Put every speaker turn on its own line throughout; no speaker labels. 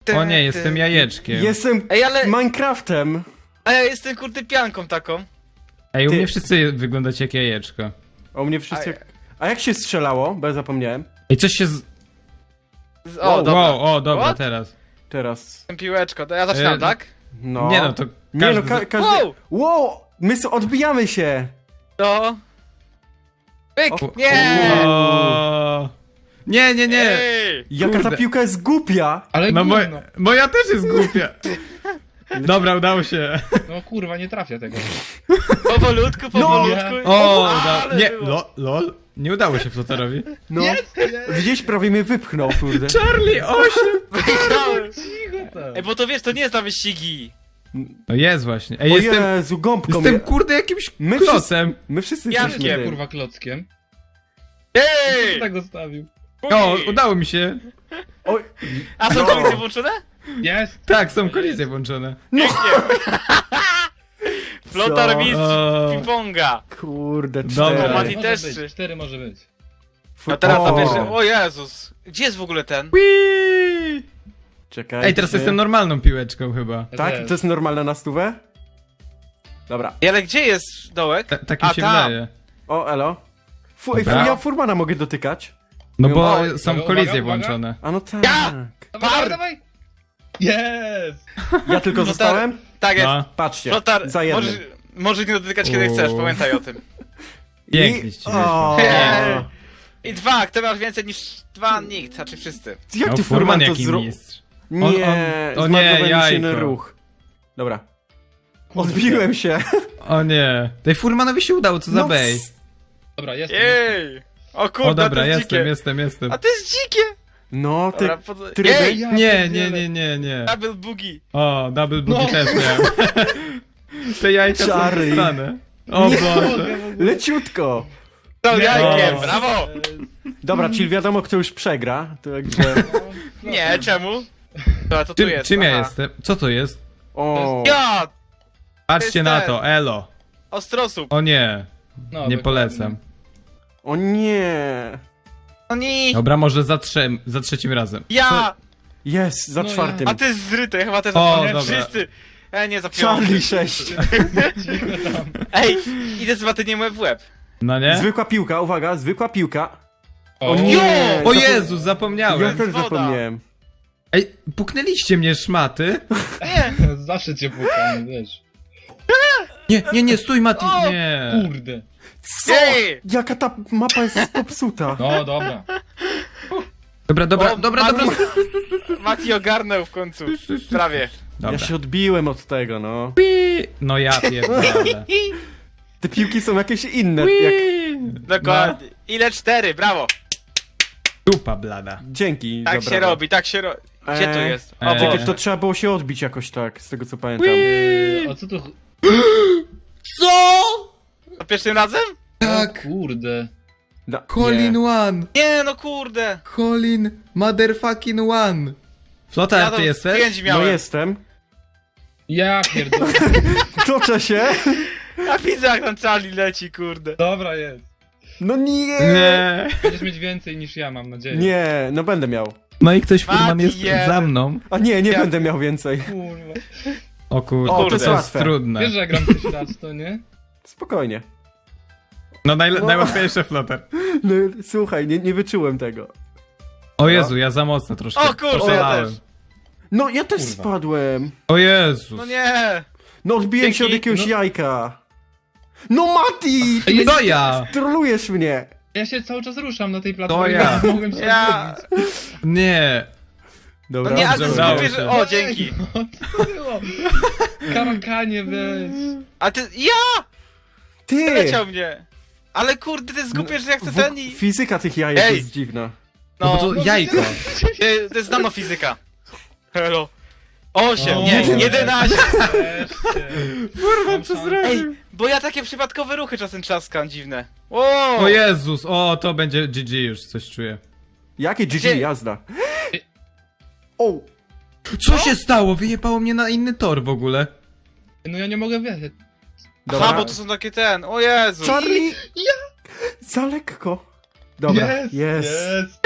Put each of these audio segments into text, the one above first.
O nie, jestem jajeczkiem.
Jestem
Ej, ale...
Minecraftem.
A ja jestem kurde pianką taką.
Ej, u
Ty-
mnie wszyscy wyglądacie jak jajeczko.
O mnie wszyscy... A jak się strzelało? Bo ja zapomniałem.
Ej, coś się
O, dobra.
Wow, o, dobra,
What?
teraz.
Teraz.
Jestem piłeczko, to ja zaczynam, tak?
No.
Nie no, to
Nie no,
każdy...
każdy...
Wow!
Wow! My odbijamy się!
To... Pyk!
O,
Nie!
O... Nie, nie, nie!
Ej!
Jaka ta
Kurde.
piłka jest głupia!
Ale
No
gówno.
moja też jest głupia. Dobra, udało się.
No kurwa, nie trafia tego.
Powolutku, powolutku.
O,
ale
nie,
było.
lol. Nie udało się Flotarowi.
No. Widzisz, prawie mnie wypchnął, kurde.
Charlie, 8!
Wygrałem.
Cicho tam.
Ej, bo to wiesz, to nie jest na wyścigi.
No jest właśnie. Ej,
O
jestem
Jezu, gąbką
Jestem kurde jakimś
My
klocem.
My wszyscy
Ja
jesteśmy
wiem,
tym.
Kurwa klockiem.
Ej!
Kto tak zostawił?
O, udało mi się.
Oj,
A są
No.
kolizje włączone?
Jest!
Tak, są kolizje włączone.
Pięknie. Flotar
Co?
mistrz
O.
ping-ponga.
kurde,
Dobra.
cztery.
Mati
Może
też
być,
trzy.
4 może być.
A teraz na
O.
pierwszy. O Jezus. Gdzie jest w ogóle ten?
Whee!
Czekaj.
Ej, teraz jestem normalną piłeczką chyba.
Tak?
Jest.
To jest normalne na stówę? Dobra.
Ej, ale gdzie jest dołek?
Tak mi
A,
się
tam.
wydaje.
O, elo.
Dobra.
Ja Furmana mogę dotykać.
No bo
O,
są
uwaga,
kolizje
uwaga.
włączone.
A no tak.
Ja!
Dawaj, dawaj, dawaj! Jest!
Ja tylko zostałem?
Tak jest.
No,
Patrzcie,
Flotar,
za jednym.
możesz nie dotykać kiedy
O.
chcesz, pamiętaj o tym.
pięknie ci
O,
wyszło.
Ej. I dwa, kto masz więcej niż dwa? Nikt, znaczy wszyscy.
Jak
No,
ty
Furman
Furman to
jaki
zrobił?
mistrz.
Nie,
O nie,
zmarnowałem się
jajko.
na ruch. Dobra.
Kurde.
Odbiłem się.
O nie. Tej Furmanowi się udało, co za
No,
bej.
Dobra, jest.
Jej! O kurde,
O dobra,
to jest
jestem.
dzikie. A to jest dzikie!
No, ty...
Dobra,
tryby?
Jej!
Nie.
Double boogie!
O, double booty
No.
też miałem. Te jajka są
Czary.
wysrane. O
Nie.
Boże.
Leciutko.
To jajkiem,
O.
brawo!
Dobra, czyli wiadomo, kto już przegra. Także...
Nie, czemu? Dobra, to tu jest.
Czym ja
aha.
jestem? Co to jest?
O.
Ja!
Patrzcie
jest
na
ten.
to, elo.
Ostrosłup.
O nie,
No,
nie
dokładnie.
polecam.
O nie.
No nie!
Dobra, może za trzecim razem.
Ja!
Jest, za
No ja.
czwartym.
A ty jest zryty, ja chyba też
O,
zapomniałem.
dobra.
Wszyscy! Nie, zapiąłem.
Charlie 6.
Cicho tam.
Ej, idę z watyniem łeb w łeb.
No nie?
Zwykła piłka, uwaga, zwykła piłka.
O,
nie!
O
Zapom-
Jezus,
Ja
zapomniałem.
też
woda.
zapomniałem.
Ej, puknęliście mnie, szmaty.
Nie!
Zawsze cię pukam, wiesz.
Nie, stój Mati,
O!
nie.
Kurde.
Co?
Ej!
Jaka ta mapa jest popsuta.
No, dobra.
Dobra,
O,
dobra.
Mati ogarnął w końcu. Prawie.
Dobra.
Ja się odbiłem od tego, no.
No ja pierdolę.
Te piłki są jakieś inne. Jak...
Dokładnie. Ile? 4, brawo.
Dupa blada.
Dzięki.
Tak
dobra.
się robi, tak się robi. Gdzie tu jest? O
Eee.
Czekaj,
Boże.
to trzeba było się odbić jakoś tak, z tego co pamiętam.
O co tu...
Co?
Za pierwszym razem?
Tak.
O kurde.
Da,
Colin
nie.
one.
Nie, no kurde.
Colin motherfucking one. Flotar,
Ja
ty
to
jesteś?
5
No
miałem.
jestem.
Ja pierdolę.
Toczę się.
Ja widzę jak tam Charlie leci, kurde.
Dobra jest.
No nie.
Nie.
Będziesz mieć więcej niż ja, mam nadzieję.
Nie, no będę miał.
No i ktoś Furman
Mati,
jest
jeden.
za mną.
A nie
Ja-
będę miał więcej.
Kurwa.
O kurde,
O,
to jest
to
łatwe.
jest trudne.
Wiesz, że ja gram tyś raz, to nie?
Spokojnie.
No najłatwiejsze Flotar.
No, słuchaj, nie wyczułem tego.
O Jezu, ja za mocno troszkę.
O kurczę, ja
poszalałem.
też.
No ja też
Kurwa.
spadłem.
O Jezus.
No nie.
No odbiłem się od
Dzięki.
jakiegoś
No.
jajka. No Mati!
Ej,
To ja!
Trolujesz mnie.
Ja się cały czas ruszam na tej platformie,
To ja.
więc mogłem się
Ja.
odbić.
Nie.
No
Dobra.
nie, a ty
Dobrze, udało
zgubisz...
się.
O, dzięki.
No, co to było? Karakanie, weź.
A ty... Ja!
Ty!
Leciał mnie. Ale kurde, ty zgubiesz, że ja chcę ten i...
Fizyka tych jajek
Ej.
jest dziwna.
No bo
No,
to jajko.
to jest nanofizyka. Hello. 8,
O,
nie,
Boże.
11.
Wreszcie.
Kurwa, co
Ej, bo ja takie przypadkowe ruchy czasem trzaskam, dziwne. O!
O Jezus, o to będzie GG już, coś czuję.
Jakie GG
Gdzie?
jazda. O!
Co się stało? Wyjebało mnie na inny tor w ogóle.
No ja nie mogę wiedzieć.
Dobra.
Aha, bo to są takie ten, o Jezu.
Charlie! Za lekko. Dobra, jest.
Jest.
Pyk.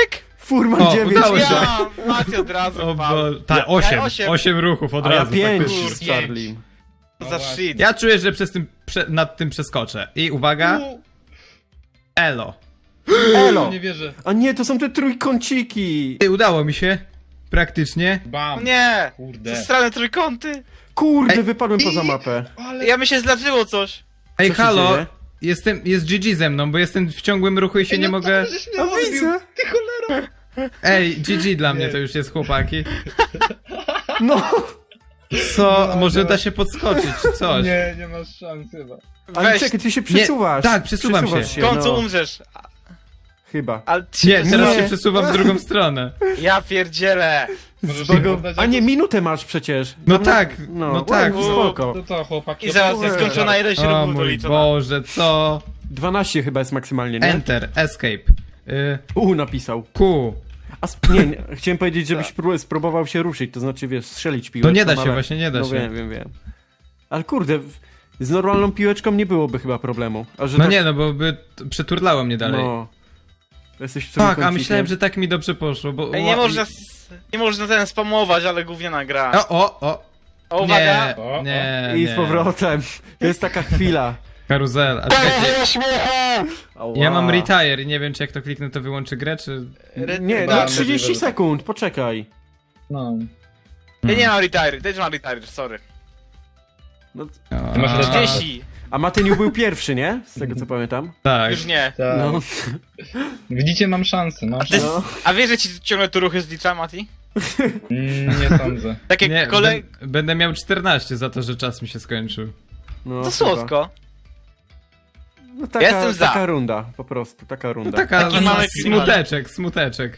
Furman
O,
9.
udało się.
Ja, Mati od razu
O
wpadł.
Boże. Tak,
Ja
8.
osiem.
8 ruchów od
A ja
razu.
5
faktycznie.
z Charlie.
To
No
za
właśnie.
shit.
Ja czuję, że nad tym przeskoczę. I uwaga,
U,
elo.
Elo!
Nie wierzę.
A nie, to są te trójkąciki!
Ty, udało mi się. Praktycznie.
O
Bam.
nie!
Kurde.
Ze strony trójkąty.
Kurde,
Ej.
wypadłem poza mapę.
Ale...
Ja mi się zdarzyło coś.
Ej,
Co się
halo.
dzieje?
Jest GG ze mną, bo jestem w ciągłym ruchu i się
Ej,
nie
no
mogę...
to, żeś mnie
A
odbił.
widzę!
Ty cholera.
Ej, GG dla mnie
Nie.
to już jest, chłopaki.
No!
Co?
No,
Może
no.
da się podskoczyć, czy coś?
Nie masz szans chyba.
Ale
Weź,
czekaj, ty się przesuwasz.
tak, przesuwam
Przesuwasz
się.
w końcu
no.
umrzesz.
Chyba.
Ale ty
Nie, teraz
Nie.
się przesuwam w drugą stronę.
Ja pierdzielę.
Możesz
Bogo...
mi poddać
A nie,
jakoś?
minutę masz przecież.
No
Tam
tak,
no,
no tak.
ładnie, spoko.
To co, chłopaki?
I zaraz
Ojej.
jest skończona ilość
O
ruchów
mój
doliczona.
Boże, co?
12 chyba jest maksymalnie, nie?
Enter, escape.
Napisał.
Q.
A nie, chciałem powiedzieć, żebyś spróbował się ruszyć, to znaczy, wiesz, strzelić piłeczką.
No nie da się,
ale...
właśnie nie da
no
się.
wiem. Ale kurde, z normalną piłeczką nie byłoby chyba problemu. A że
No
tak,
nie, no bo by przeturlało mnie dalej.
No. Jesteś
Tak, a
trójkącikiem.
myślałem, że tak mi dobrze poszło, bo...
Ej, nie można ten spamować, ale gówniana gra.
O!
O, uwaga!
Nie,
O,
nie,
I
nie.
z powrotem. To jest taka chwila.
Karuzel. A czekajcie,
Ała.
ja mam retire i nie wiem, czy jak to kliknę, to wyłączy grę, czy...
Nie,
Chyba
no 30
możliwe, że tak.
sekund, poczekaj.
No.
Ja nie mam retire, też mam retire, sorry.
No,
O,
Ty masz
a,
retire.
30.
a Matyniu był pierwszy, nie? Z tego co pamiętam.
Tak.
Już nie.
Tak.
No.
Widzicie, mam szansę, mam
Ty,
szansę.
No.
a wiesz, że ci ciągle tu ruchy zlicza, Mati?
Nie sądzę.
Takie
Nie, będę miał 14 za to, że czas mi się skończył.
No,
To
chyba.
słodko.
No, taka,
Jestem za.
taka runda, po prostu, taka
No
runda.
taka
Taki mały
smuteczek.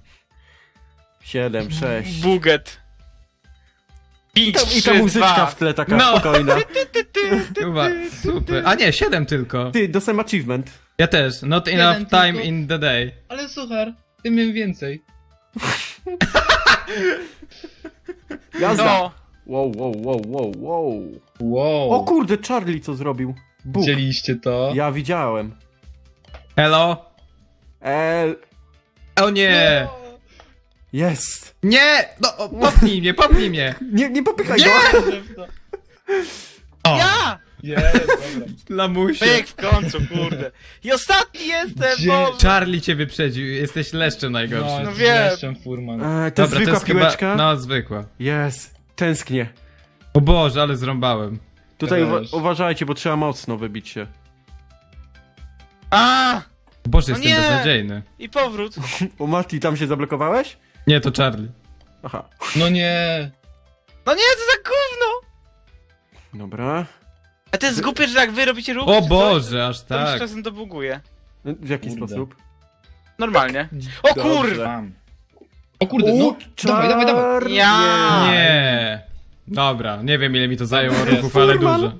7, 6.
Buget. 5,
I ta
3,
muzyczka
2.
w tle taka
No.
spokojna.
Chyba, super. A nie, 7 tylko.
Ty, dostałem achievement.
Ja też. Not
Jeden
enough time
tylko.
in the day.
Ale słuchaj, tym miałem więcej.
Jazda.
No.
Wow.
Wow.
O kurde, Charlie co zrobił? Bóg.
Widzieliście to?
Ja widziałem.
Hello? O nie!
Jest.
Nie! No, popnij mnie!
Nie popychaj
Nie!
go.
O,
Ja!
Jest, dobra.
lamusie.
Pyk w końcu, kurde. I ostatni jestem,
Gdzie?
Boże.
Charlie cię wyprzedził, jesteś leszczem najgorszy.
No wiem.
Jestem Furman.
To
Dobra, to
zwykła
jest
piłeczka?
chyba... No, zwykła.
Jest. Tęsknię.
O Boże, ale zrąbałem.
Tutaj
Też.
uważajcie, bo trzeba mocno wybić się.
A!
O Boże,
No
jestem
nie.
beznadziejny.
I powrót.
O Mati, tam się zablokowałeś?
Nie, to Charlie.
Aha.
No nie.
No nie, to za gówno!
Dobra.
A to jest głupie, że jak wy robicie ruch,
O
czy
Boże, aż
coś, to mi się
tak.
czasem to buguje.
W jaki
Kurde.
sposób?
Normalnie. O
Dobrze.
kurwa!
Bam. O kurde, no. Dawaj.
Charlie!
Ja.
Nie. Dobra, nie wiem ile mi to zajęło
Jest.
ruchów, ale
Furman.
dużo.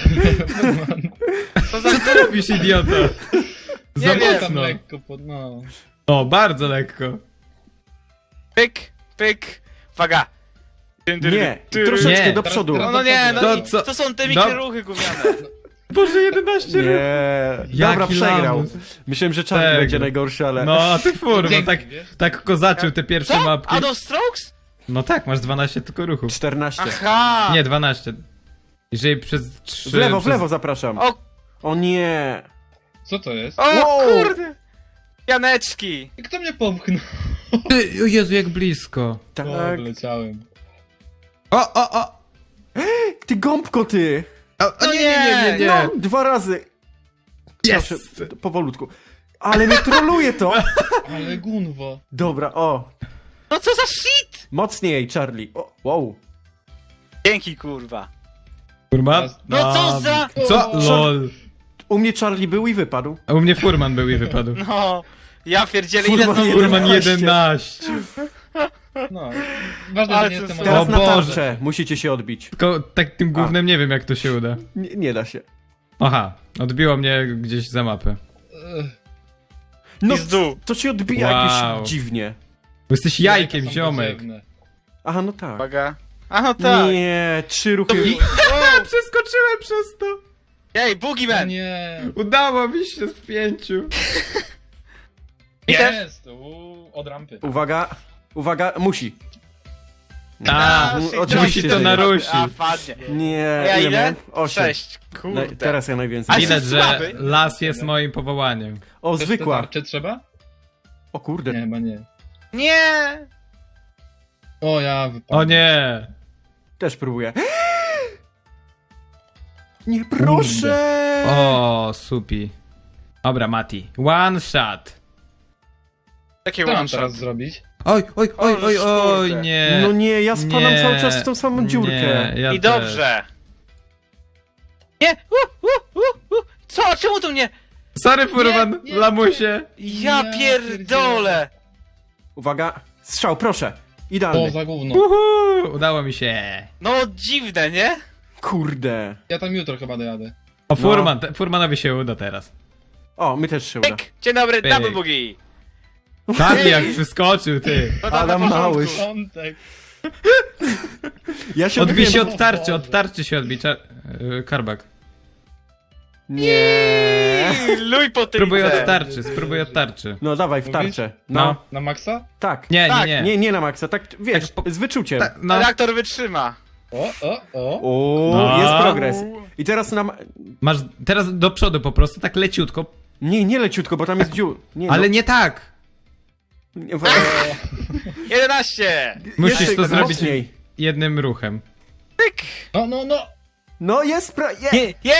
To za...
Co ty robisz, idiota? Za
Nie wiem.
Tam
mocno.
lekko no.
O, bardzo lekko.
Pyk, pyk. Uwaga.
Nie,
Ty-
troszeczkę
Nie.
do przodu.
No nie, no
To
i
co-
to są te
No.
mikroruchy gówniane.
Boże, 11 ruchów.
Nie. Dobra,
Jaki
przegrał.
lamus.
Myślałem, że Charlie
Tego.
będzie najgorszy, ale...
No, a ty furman,
Dzięki,
tak,
wiesz?
tak kozaczył te pierwsze
Co?
mapki.
Out of strokes?
No tak, masz 12 tylko ruchów.
14.
Aha!
Nie, 12. Jeżeli przez 3...
W lewo zapraszam.
O,
O nie.
Co to jest?
o
Wow.
kurde! Janeczki!
Kto mnie popchnął?
Ty, o Jezu, jak blisko.
Tak.
O, wleciałem.
O!
Ty gąbko, ty.
O,
No
nie.
No, 2 razy.
Jest!
Proszę, powolutku. Ale mnie troluje to.
Ale gunwo.
Dobra, o.
No co za shit!
Mocniej, Charlie. O, wow.
Dzięki kurwa.
Furman?
No co za...
Co? LOL.
U mnie Charlie był i wypadł.
A u mnie Furman był i wypadł.
No... Ja pierdzielę ile
Furman
znowu...
Furman
11.
11.
No. Ważne,
Ale
że nie
co
jestem
za-
Teraz
O
na
Boże.
tarczę. Musicie się odbić.
Tylko tak tym gównem nie wiem jak to się uda.
Nie da się.
Aha, odbiło mnie gdzieś za mapę.
No,
Pizdu.
to się odbija
Wow.
jakoś dziwnie.
Bo jesteś jajkiem, ziomek.
Aha, no tak.
Uwaga. A no tak.
Nie, 3 ruchy.
Przeskoczyłem przez to.
Ej, Boogeyman!
Nie.
Udało mi się w 5.
I też.
Jest! od rampy.
Uwaga, uwaga, musi.
A,
oczywiście,
musi to
że nie.
narusi.
A, padnie.
Nie,
A ja ile?
miałem? 8.
6. Kurde.
Teraz ja najwięcej.
A
Widać,
jesteś
że
słaby.
las jest moim powołaniem.
O,
Też
zwykła.
te tarcze trzeba?
O kurde.
Nie, chyba nie.
Nie!
O, ja wypadłem.
O nie!
Też próbuję. Nie, proszę!
O, supi. Dobra, Mati. One shot.
Takie
Co mam
one
teraz
shot.
zrobić?
Oj, oj, oj, oj, oj,
kurde.
nie.
No nie, ja spadam
Nie.
cały czas w tą samą dziurkę.
Nie, ja
I
też.
dobrze. Nie! Co? Czemu to mnie?
Sorry, Furman,
Nie, nie,
lamusie.
Ja
Ja
pierdolę!
Uwaga, strzał, proszę.
O,
Idealny.
za gówno.
Uhu, udało mi się.
No dziwne, nie?
Kurde.
Ja tam jutro chyba dojadę.
O, Furman, Furmanowi się uda teraz.
O, my też się uda.
Pyk! Dzień dobry,
Pyk.
double boogie!
Tak jak wyskoczył, ty.
No to na
Adam
porządku.
Małysz.
Piątek.
Ja się
Odbij się
odbiłem.
od tarczy się odbij. Karbak.
Nie.
Luj po tym.
Spróbuj od tarczy, spróbuj od tarczy.
No dawaj, w
Mówisz?
tarczę. No.
No.
Na maksa?
Tak.
Nie,
Tak,
nie, nie.
Nie, nie na maksa, tak wiesz,
Tak,
z wyczuciem.
Tak, no.
Reaktor wytrzyma.
O.
O,
No.
jest progres. I teraz na...
Masz teraz do przodu po prostu, tak leciutko.
Nie, nie leciutko, bo tam jest dziur. Nie,
Ale
no.
nie tak.
Nie,
11!
Musisz
Jeszcze
to zrobić
mocniej.
jednym ruchem.
Pyk!
No.
No jest
Nie!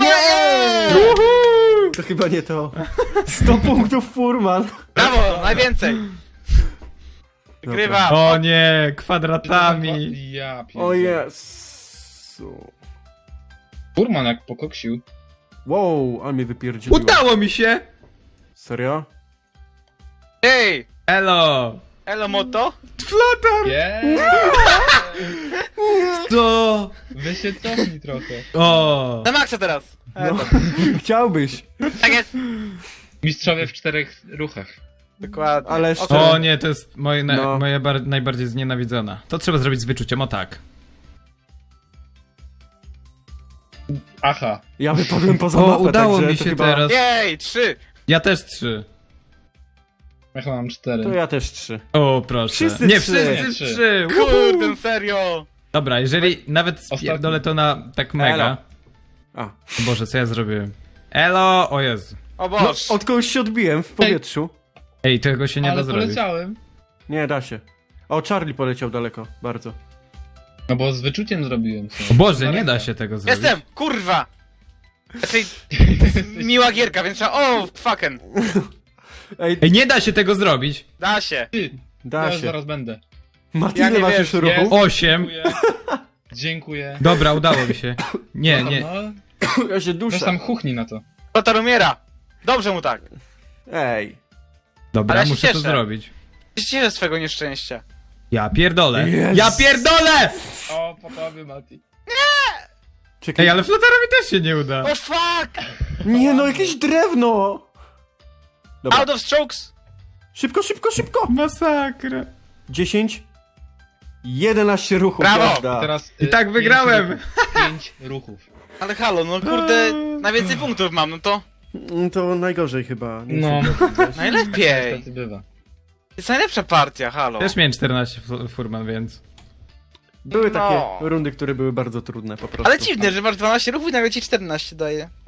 To chyba nie to. 100 punktów Furman.
Brawo, najwięcej! Wygrywam.
O nie, kwadratami.
Ja pierdolę.
O Jezu.
Furman jak pokoksił.
Wow, ale mnie wypierdzieliło.
Udało mi się!
Serio?
Ej!
Elo!
Elo moto?
Flotar! To!
Wy się cofnij trochę.
O!
Na maksa teraz!
No. Chciałbyś.
Tak jest!
Mistrzowie w 4 ruchach.
Dokładnie.
Ale
O,
szczerze-
O nie, to jest
No.
moja najbardziej znienawidzona. To trzeba zrobić z wyczuciem, o tak.
Aha.
Ja wypadłem poza
O,
mapę,
udało
także
mi
to
się
chyba...
teraz.
Jej, 3!
Ja też 3.
Ja chyba mam 4.
To ja też 3.
O, proszę.
Wszyscy
nie,
trzy.
wszyscy
Nie,
3.
Kurde, serio!
Dobra, jeżeli nawet
Ostatni.
spierdolę to na tak mega.
Elo. A.
O Boże, co ja zrobiłem? Elo! O Jezu.
O
No,
Boż!
od kogoś się odbiłem w powietrzu.
Ej, tego się nie
Ale
da zrobić.
poleciałem.
Nie, da się. O, Charlie poleciał daleko, bardzo.
No bo z wyczuciem zrobiłem.
O Boże, nie da się tego zrobić.
Jestem! Kurwa! Znaczy, miła gierka, więc trzeba... O, fucking!
Ej,
Ej, nie da się tego zrobić.
Da się!
Ty,
da
ja już
się.
zaraz będę.
Mati,
Ja
ile
nie
masz
wiem,
już ruchów?
jest.
8.
Dziękuję. Dziękuję.
Dobra, udało mi się. Nie, nie.
No,
Ja się
weź
duszę.
tam chuchni na to.
Flotar umiera! Dobrze mu tak!
Ej.
Dobra,
Ale ja się
muszę to
cieszę.
zrobić.
Cieszę z swego nieszczęścia.
Ja pierdolę.
Jest.
Ja pierdolę!
O, po tobie, Mati.
Czekaj.
Ej, ale flotarowi też się nie uda.
O fuck!
Nie no, jakieś drewno! Dobra,
Out of strokes!
szybko, szybko, szybko!
Masakra.
10. 11 ruchów,
Brawo!
jazda.
Teraz,
I tak wygrałem.
5 ruchów.
Ale halo, no kurde, najwięcej punktów mam, no to...
To najgorzej chyba. Nie
No.
chcę.
Najlepiej!
Niestety bywa.
To jest najlepsza partia, halo.
Też miałem 14 furman, więc.
Były takie
No.
rundy, które były bardzo trudne po prostu.
Ale dziwne, że masz 12 ruchów i nagle ci 14 daje.